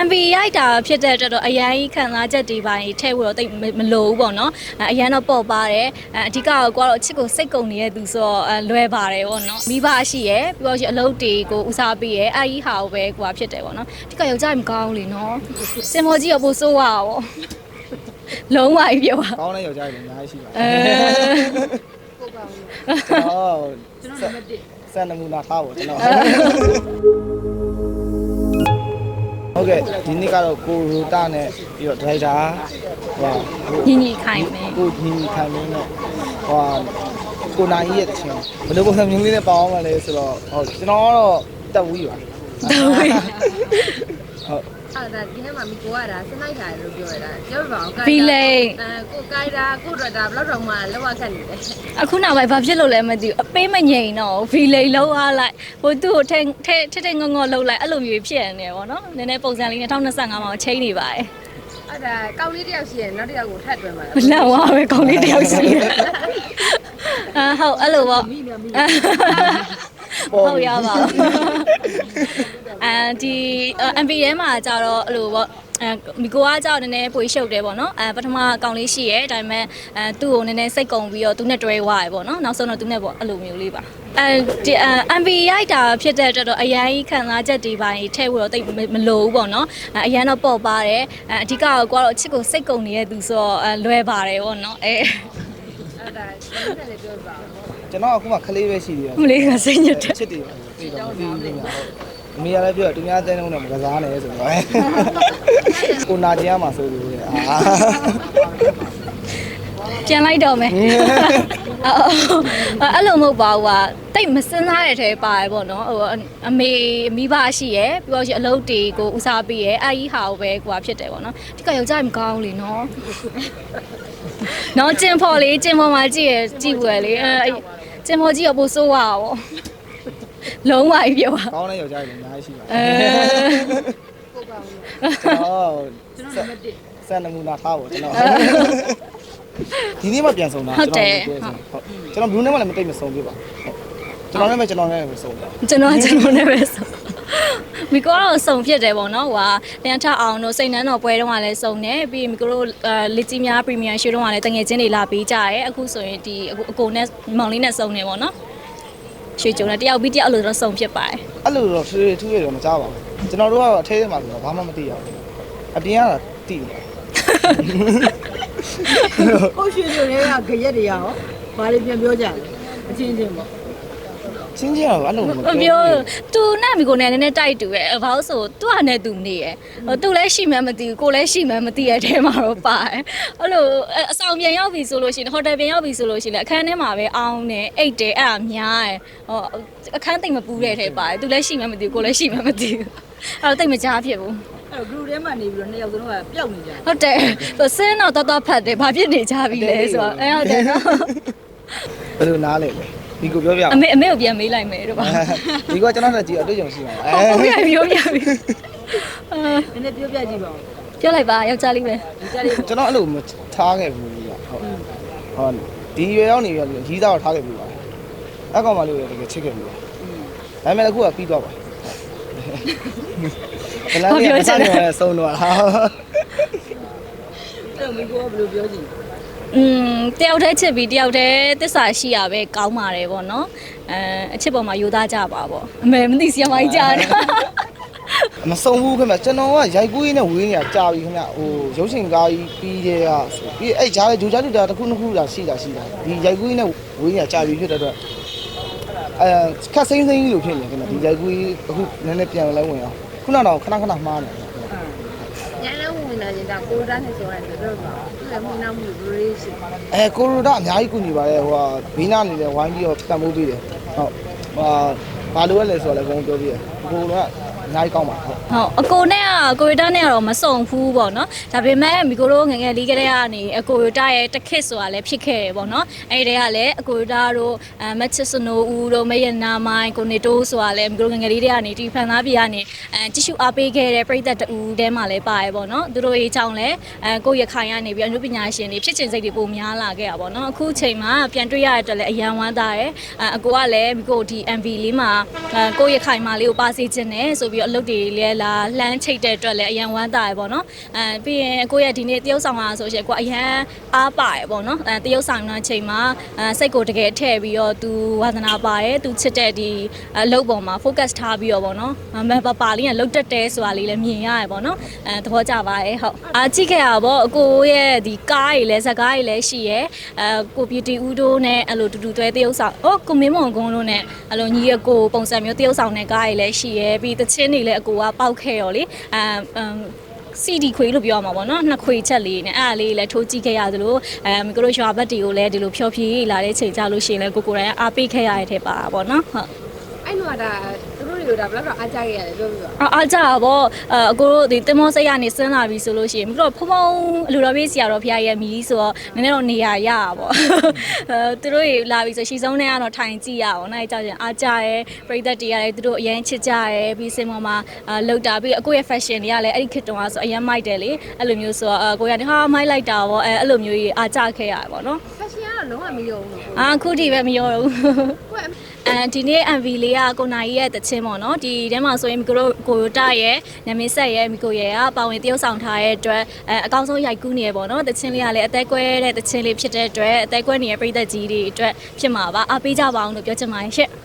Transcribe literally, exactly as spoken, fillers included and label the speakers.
Speaker 1: M V ရိုက်တာဖြစ်တဲ့အတွက်တော့အရန်ကြီးခံစားချက်တွေပိုင်းထဲဝတော့တိတ်မလို့ဘူးပေါ့နော်အရန်တော့ပေါ့ပါတယ်အဓိကတော့ကိုကတော့အချစ်ကိုစိတ်ကုန်နေတဲ့သူဆိုတော့လွယ်ပါတယ်ပေါ့နော်မိဘရှိရယ်ပြီးတော့ရှိအလုပ်တွေကိုဦးစားပေးရယ်အဲ့ဒီဟာကိုပဲကိုကဖြစ်တယ်ပေါ့နော်အဓိကယောက်ျားမကောင်းလေနော်စင်မော်ကြီးကပို့ဆိုးရပါဘောလုံးဝကြီးပြောပါ
Speaker 2: ကောင်းတဲ့ယောက်ျားတွေအများကြီးရှိပါတယ်ဟုတ်ပါဘူးကျွန်တော်ကျွန်တော်နံပါတ်တစ်စံနမူနာထားပါကျွန်တော်ဟုတ်ကဲ့ဒီနေ့ကတော့ကိုရိုတာနဲ့ပြီးတော့ဒရိုက်တာဟို
Speaker 1: ညီညီခိုင်မယ်
Speaker 2: ကိုညီညီခိုင်မယ်နဲ့ဟိုကိုနိုင်ရဲ့ချင်းဘယ်လိုပုံစံမျိုးလေးနဲ့ပေါင်းမှလဲဆိုတော့ဟိုကျွန်တော်ကတော့တက်ဝီးပါ
Speaker 1: တက်ဝီး
Speaker 3: ဟုတ်အဲ့ဒါဒီနေ့မှမိကိုကဒါစနိုက်တာလို့ပြောရတာပြောပြပါဦး
Speaker 1: ဖီလိန်
Speaker 3: အဲကိုကိုက်တာကိုတော့ဒါဘလောက်တော့မှလောက်ရခက်နေတယ်
Speaker 1: အခုနောက်ပိုင်းဘာဖြစ်လို့လဲမသိဘူးအပေးမငြိမ်တော့ဖီလိန်လောက်အားလိုက်ဟိုသူ့ကိုထဲထဲထဲထဲငေါငေါလောက်လိုက်အဲ့လိုမျိုးဖြစ်နေတယ်ပေါ့နော်နည်းနည်းပုံစံလေး၂၀၂၅မှာချိန်နေပါတယ်
Speaker 3: အဲ့ဒါကောင်းလေးတယောက်ရှိရင်နောက်တစ်ယောက်ကိုထပ်တွဲမှာ
Speaker 1: မလောက်ပါပဲကောင်းလေးတယောက်ရှိတယ်အာဟုတ်အဲ့လိုပေါ့ဟုတ်ရပါဘူးအဲဒီ M V ထဲမှာကြတော့အဲ့လိုပေါ့အဲမိကိုကကြောက်နည်းနည်းပွေရှုပ်တယ်ပေါ့နော်အဲပထမအကောင်လေးရှိရဲဒါပေမဲ့အဲသူ့ကိုနည်းနည်းစိတ်ကုန်ပြီးတော့သူနဲ့တွဲသွားရပေါ့နော်နောက်ဆုံးတော့သူနဲ့ပေါ့အဲ့လိုမျိုးလေးပါအဲဒီ M V ရိုက်တာဖြစ်တဲ့အတွက်တော့အရန်ကြီးခံစားချက်တွေပိုင်းထဲဝတော့တိတ်မလို့ဘူးပေါ့နော်အရန်တော့ပေါ့ပါတယ်အဓိကတော့ကိုကတော့အချစ်ကိုစိတ်ကုန်နေတဲ့သူဆိုတော့လွယ်ပါတယ်ပေါ့နော်အဲ
Speaker 3: အဲ့ဒါကျွန်တော်လည်းပြောပါဦး
Speaker 2: ကျွန်တော်အခုမှခလေးပဲရှိသေးတယ်
Speaker 1: မလေးကစိတ်ညစ်တယ်
Speaker 2: ချစ်တယ်သိတော့မသိဘူးဟုတ်အမေကလည်းပြောသူများတဲ့နှုန်းနဲ့မကစားနဲ့ဆိုတော့ကိုနာကျင်ရမှာဆိုလို့အာ
Speaker 1: ပြန်လိုက်တော့မယ်အဲ့လိုမဟုတ်ပါဘူးကတိတ်မစင်းစားတဲ့ထဲပါတယ်ပေါ့နော်ဟိုအမေမိဘရှိရယ်ပြီးတော့ရှိအလုပ်တွေကိုဦးစားပေးရယ်အဲ့ဒီဟာကိုပဲကိုကဖြစ်တယ်ပေါ့နော်ဒီကယောက်ျားမကောင်းလေနော်နော်ကျင်ဖော်လေးကျင်ဖော်မှာကြည့်ရကြည့်ွယ်လေအဲကျင်ဖော်ကြီးကပို့ဆိုးရပါဘောလုံးဝကြီးပြောပါ
Speaker 2: ကောင်းတဲ့ယောက်ျားတွေအများကြီးရှိပါတယ်
Speaker 3: ကိုပါဦး
Speaker 2: ကျွန်တော်ကျွန်တော်နံပါတ်တစ်စံနမူနာထားပါကျွန်တော်ဒီနေ့မှပြန်ဆုံးတာ
Speaker 1: ကျွန်တော်
Speaker 2: ဟုတ်ကျွန်တော်ဘလူးနဲ့မှလည်းမတိတ်မဆုံးပြပါကျွန်တော်နဲ့ပဲကျွန်တော်နဲ့ပဲဆုံးတာ
Speaker 1: ကျွန်တော်ကျွန်တော်နဲ့ပဲဆုံးမိကတော့စုံဖြစ်တယ်ပေါ့နော်ဟိုဟာတန်ထအောင်တို့စိတ်နှမ်းတော်ပွဲတုန်းကလည်းစုံတယ်ပြီးမိကတော့လက်ကြီးများပရီမီယံရှိုးတုန်းကလည်းတငယ်ချင်းတွေလာပေးကြရဲအခုဆိုရင်ဒီအကိုနဲ့မောင်လေးနဲ့စုံနေပေါ့နော်ရွှေကြုံနဲ့တယောက်ပြီးတယောက်အဲ့လိုတော့စုံဖြစ်ပါတယ်
Speaker 2: အဲ့လိုတော့ထွေးထွေးရတော့မကြပါဘူးကျွန်တော်တို့ကတော့အထဲထဲမှာဆိုတော့ဘာမှမသိရဘူးအပြင်ကတော့သိတယ်
Speaker 3: ကိုရွှေကြုံတွေကကြရက်တွေရောဘာတွေပြန်ပြောကြလဲအချင်းချင်းပေါ့
Speaker 2: ချင်းချင်းကတော့အဲ့လိုမ
Speaker 1: ပြောသူနဲ့မိကိုနဲ့နည်းနည်းတိုက်တူရဲ့ဘာလို့ဆိုသူကနဲ့သူနေရဲ့ဟိုသူလည်းရှိမှမသိဘူးကိုလည်းရှိမှမသိရဲ့အဲထဲမှာတော့ပါတယ်အဲ့လိုအဆောင်ပြန်ရောက်ပြီဆိုလို့ရှိရင်ဟိုတယ်ပြန်ရောက်ပြီဆိုလို့ရှိရင်အခန်းထဲမှာပဲအောင်းနေအိတ်တယ်အဲ့ဒါများရဲ့ဟိုအခန်းသိမ့်မပူးတဲ့ထဲပါတယ်သူလည်းရှိမှမသိဘူးကိုလည်းရှိမှမသိဘူးအဲ့တော့တိတ်မကြားဖြစ်ဘူး
Speaker 3: အဲ့တော့ group ထဲမှာနေပြီးတော့နှစ်ယောက်စလုံးကပျောက်နေကြတယ်
Speaker 1: ဟုတ်တယ်ဆိုစင်းတော့တော်တော်ဖတ်တယ်ဘာဖြစ်နေကြပြီလဲဆိုတော့အဲဟုတ်တယ်နော်
Speaker 2: ဘယ်လိုနားလဲဒီကိုပြောပြ
Speaker 1: အမေအမေကိုပြန်မေးလိုက်မယ်တော့ပါ
Speaker 2: ဒီကကျွန်တော်လည်းကြည့်အတွေ့အကြုံရှိပါ
Speaker 1: အဲဟုတ်ပြီပြောပြပြီ
Speaker 3: အဲနည်းနည်းပြောပြကြည့်ပါဦး
Speaker 1: ပြောလိုက်ပါယောက်ျားလေးပဲ
Speaker 2: ကျွန်တော်အဲ့လိုထားခဲ့ဘူးကြီးဟုတ်ဟုတ်ဒီရွယ်ရောက်နေပြီရီးသားတော့ထားခဲ့ပြီပါအဲ့ကောင်မလေးကိုတကယ်ချစ်ခဲ့ပြီပါဒါပေမဲ့အခုကပြီးသွားပါဘယ်လိုလဲဆက်နေလဲဆုံးတော့ဟာ
Speaker 3: အဲ့မိကိုကဘယ်လိုပြောကြည့်
Speaker 1: อืมတယောက်တည်းချစ်ပြီးတယောက်တည်းသစ္စာရှိရပဲကောင်းပါတယ်ပေါ့နော်အဲအချစ်ပေါ်မှာယူသားကြပါပေါ့အမေမသိစီရမိုင်းကြားတယ်
Speaker 2: မဆုံးဘူးခင်ဗျကျွန်တော်ကရိုက်ကူးရင်းနဲ့ဝေးနေတာကြာပြီခင်ဗျဟိုရုပ်ရှင်ကားကြီးပြီးတဲ့ကဆိုပြီးအဲ့ဂျားလေဂျူဂျာလူတာတစ်ခုနှစ်ခုတာရှိတာရှိတာဒီရိုက်ကူးရင်းနဲ့ဝေးနေတာကြာပြီဖြစ်တဲ့အတွက်အဲခက်စိမ့်စိမ့်ကြီးလို့ဖြစ်နေခင်ဗျဒီရိုက်ကူးအခုနည်းနည်းပြန်လဲဝင်အောင်ခုနကတော့ခဏခဏမှားနေ
Speaker 3: ညနေဝင်လာရင်ဒါကိုရိုဒါနဲ့ဆိုရတယ်တော့ပါသူလည်းမင်းနောက်မှုဘယ်လိုရှိ
Speaker 2: အဲကိုရိုဒါအများကြီးကူညီပါတယ်ဟိုဟာဘေးနာနေတယ်ဝိုင်းပြီးတော့တန်ဖိုးပေးတယ်ဟုတ်ဟာဘာလို့လဲဆိုတော့လည်းဘုံပြောပြတယ်ကိုရိုဒါအများကြီးကောင်းပါဟုတ်
Speaker 1: ဟုတ်အကိုနဲ့ကကိုရီတာနဲ့ကတော့မစုံဘူးပေါ့နော်ဒါပေမဲ့မိကိုတို့ငငယ်လေးကလေးကနေအကိုရီတာရဲ့တခစ်ဆိုတာလည်းဖြစ်ခဲ့တယ်ပေါ့နော်အဲ့ဒီကလည်းအကိုရီတာတို့အမချစ်စနိုဦးတို့မယနာမိုင်းကိုနေတိုးဆိုတာလည်းမိကိုတို့ငငယ်လေးတွေကနေဒီဖန်သားပြည်ကနေအဲတ िश ူအားပေးခဲ့တဲ့ပြည်သက်တူတဲမှာလည်းပါတယ်ပေါ့နော်သူတို့ရေးချောင်းလည်းအဲကိုရခိုင်ကနေပြီးအနုပညာရှင်တွေဖြစ်ချင်စိတ်တွေပုံများလာခဲ့တာပေါ့နော်အခုချိန်မှာပြန်တွေ့ရတဲ့အတွက်လည်းအယံဝမ်းသာတယ်အကိုကလည်းမိကိုဒီ M V လေးမှာကိုရခိုင်မလေးကိုပါစေခြင်းနဲ့ဆိုပြီးတော့အလုပ်တွေလည်းလာလှမ်းချိတ်တဲ့အတွက်လည်းအရန်ဝမ်းသာရပေါ့နော်အဲပြီးရင်ကိုရဲ့ဒီနေ့တရုပ်ဆောင်လာဆိုရှင်ကိုအရန်အားပါရပေါ့နော်အဲတရုပ်ဆောင်တဲ့အချိန်မှာအဲစိတ်ကိုတကယ်ထည့်ပြီးတော့သူဝါသနာပါရဲသူချစ်တဲ့ဒီအလုပ်ပေါ်မှာ focus ထားပြီးတော့ပေါ့နော်မပပါလေးကလုတ်တက်တဲဆိုတာလေးလည်းမြင်ရရပေါ့နော်အဲသဘောကျပါရဲ့ဟုတ်အားကြည့်ခဲ့ရပေါ့အကိုရဲ့ဒီကားကြီးလည်းဇက်ကားကြီးလည်းရှိရဲအဲကို beauty ဦးတို့နဲ့အဲ့လိုတူတူတွဲတရုပ်ဆောင်ဟောကိုမင်းမောင်ကုန်းတို့နဲ့အဲ့လိုညီရကိုပုံစံမျိုးတရုပ်ဆောင်တဲ့ကားကြီးလည်းရှိရဲပြီးတချင်းတွေလည်းအကိုကပေါက်ခဲ့ရောလေအဲစီဒီခွေလို့ပြောရမှာပေါ့နော်နှစ်ခွေချက်လေးနဲ့အဲ့ဒါလေးလည်းထိုးကြည့်ခဲ့ရသလိုအဲမိကိုတို့ရွာဘက်တွေကိုလည်းဒီလိုဖြောဖြေးလာတဲ့ချိန်ကြလို့ရှိရင်လည်းကိုကိုယ်တိုင်အားပေးခဲ့ရတဲ့ထဲပါပေါ့နော်ဟုတ်
Speaker 3: အဲ့တော့ဒါသူတို့တွေကဒါဘယ်တော့အားကြခဲ့ရတယ်ပြောပြပါ
Speaker 1: အားကြပါဗောအကိုတို့ဒီတင်မောစိတ်ကနေဆင်းလာပြီဆိုလို့ရှိရင်ပြီးတော့ဖုံဖုံအလူတော်ပြေးစီရတော့ဖခင်ရဲ့မီးဆိုတော့နည်းနည်းတော့နေရရပါဗောအဲသူတို့တွေလာပြီဆိုရှီဆုံးနဲ့ကတော့ထိုင်ကြည့်ရအောင်နိုင်ကြရင်အားကြရဲပရိသတ်တွေကလည်းသူတို့အရင်ချစ်ကြရဲပြီးစင်ပေါ်မှာလောက်တာပြီးအကိုရဲ့ fashion တွေကလည်းအဲ့ဒီခေတ်တုန်းကဆိုအရင်မိုက်တယ်လေအဲ့လိုမျိုးဆိုတော့အကိုရဟာမိုက်လိုက်တာဗောအဲအဲ့လိုမျိုးကြီးအားကြခဲ့ရပါဗောနော်
Speaker 3: fashion ကတော့လုံးဝမရောဘူးလို့
Speaker 1: အာခုထိပဲမရောဘူးအဲဒီနေ့ M V လေးကကိုနိုင်ရဲ့တချင်းပေါ့နော်ဒီထဲမှာဆိုရင်မီကိုကိုတာရဲ့ညမင်းဆက်ရဲ့မီကိုရဲ့ကပါဝင်တရုပ်ဆောင်ထားတဲ့အတွက်အဲအကောင်းဆုံးရိုက်ကူးနေရပေါ့နော်တချင်းလေးကလည်းအသက်ကွဲတဲ့တချင်းလေးဖြစ်တဲ့အတွက်အသက်ကွဲနေတဲ့ပြည်သက်ကြီးတွေအတွက်ဖြစ်မှာပါအားပေးကြပါအောင်လို့ပြောချင်ပါတယ်ရှင့်